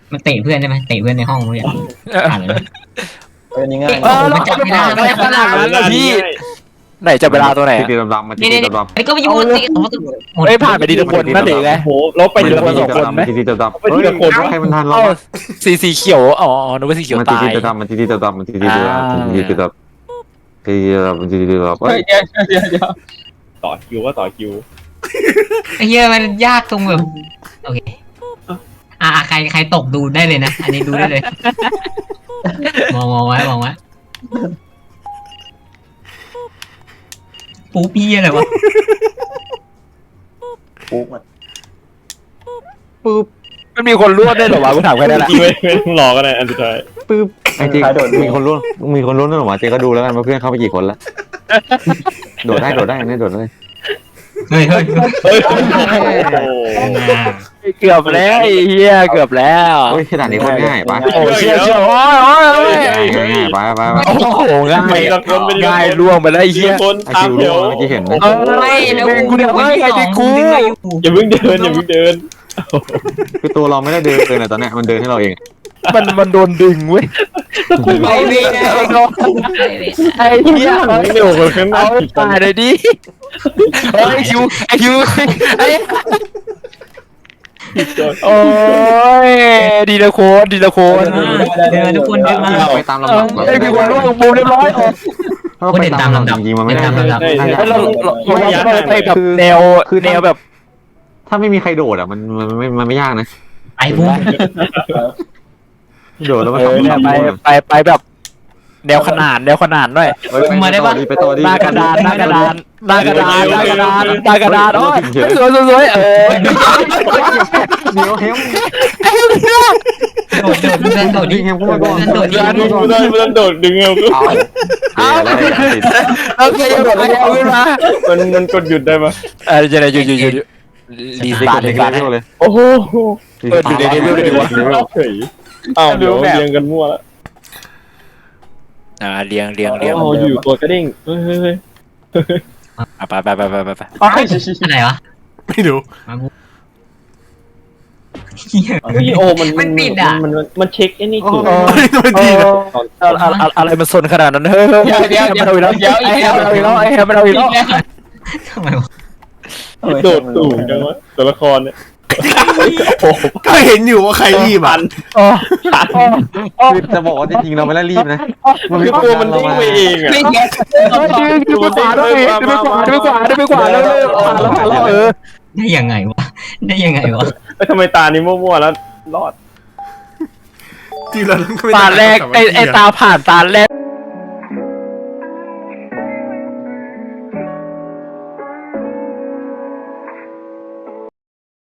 มันเตะเพื่อนได้ไหมเตะเพื่อนในห้องเพื่อนอ่านเลยนี่ง่ายมันจับไม่ได้อะไรขนาดนั้นล่ะพี่ไหนจะเวลาตัวไหนตีดำๆมาตีนี่ดำไอ้ก็ไปยุ่งตีเขาก็หมดเอ้ยผ่านไปดีทุกคนนั่นเองไงโอ้โหเราไปๆทีละคนตีสองคนไหมตีดำๆไปทีละคนใครมันทันเราเอ้าสีเขียวอ๋อนึกว่าสีเขียวมันตายตีดำๆมันตีดำๆมันตีดำๆมันตีดำๆตีดำๆมันตีดำๆเฮ้ยเดี๋ยวต่อคิวก็ต่อคิวไอ้เหี้ยมันยากตรงแบบโอเคใครตกดูได้เลยนะอันนี้ดูได้เลยมองไว้ปูปี้อะไรวะปุ๊บมันปึ๊บมันมีคนรวดได้เหรอวะกูถามแค่นั้นแหละไม่ต้องรอก็ได้อันสุดท้ายปึ๊บไอ้จริงมีคนลุ้นนั่นหรอวะเจ๊ก็ดูแล้วกันว่าเพื่อนเข้าไปกี่คนแล้วโดดได้ไม่โดดได้เฮ้ยเฮ้ยโอ้เกือบแล้วไอ้เหี้ยเกือบแล้วโอ้ยขนาดนี้คนง่ายปะโอ้เชี่ยโอ้ยง่ายไปโอ้โหง่ายไปละคนไปง่ายล่วงไปแล้วไอ้ทีเหี้ยละคนไอตามคิวเดี๋ยวเมื่อกี้เห็นไหมไม่แล้วกูเดี๋ยวไม่ไอ้ที่กูดึงมาอยู่อย่าเพิ่งเดินคือตัวเราไม่ได้เดินเลยตอนนี้มันเดินให้เราเองมันโดนดึงเว้ยไปเว้ยไอ้เหี้ยเร็วกว่าข้างหน้าเอาตายเลยดิไอ้คิวไอ้โอ้ยดีละคนเดินทุกคนเดินมาไปตามลำดับก่อนไอ้พี่คนร่วงบูมเรียบร้อยถ้าไปตามลำดับจริงๆมันไม่ได้เราไปแบบแนวแบบถ้าไม่มีใครโดดอ่ะมันไม่ยากนะไอ้บุ้มโดดแล้วมันไปแบบแนวขนานหน่อยไปต่อดีหน้ากระดานโอ้ยสวยเดี๋ยวเฮมโดดดิเฮมเข้ามาก่อนไม่ต้องโดดดึงเอาเอาติดโอเคเอาขึ้นมามันกดหยุดได้ปะจะไหนหยุดรีสตาร์ทเลยโอ้โหวเฮ้ยอ้าวเดี๋ยวเรียงกันมั่วแล้วเรียงอ๋ออยู่ตัวกระดิ่งเฮ้ยไปอะไรวะไม่รู้โอ้มันเช็คไอ้นี่คือมันดีนะอะไรมันสนขนาดนั้นเฮ้ยมันเอาอีกแล้วไอ้แฮมมันเอาอีกแล้วทำไมวะโดดสูงจังวะตัวละครเนี่ยก็เห็นอยู่ว่าใครรีบอ่ะจะบอกว่าจริงๆเราไม่ได้รีบนะมันคือตัวมันดิ้งไปเองอ่ะดูไปขวาแล้วได้ยังไงวะทำไมตานี้มั่วๆแล้วรอดที่เราต้องตาแรกไอ้ตาผ่านตาแรก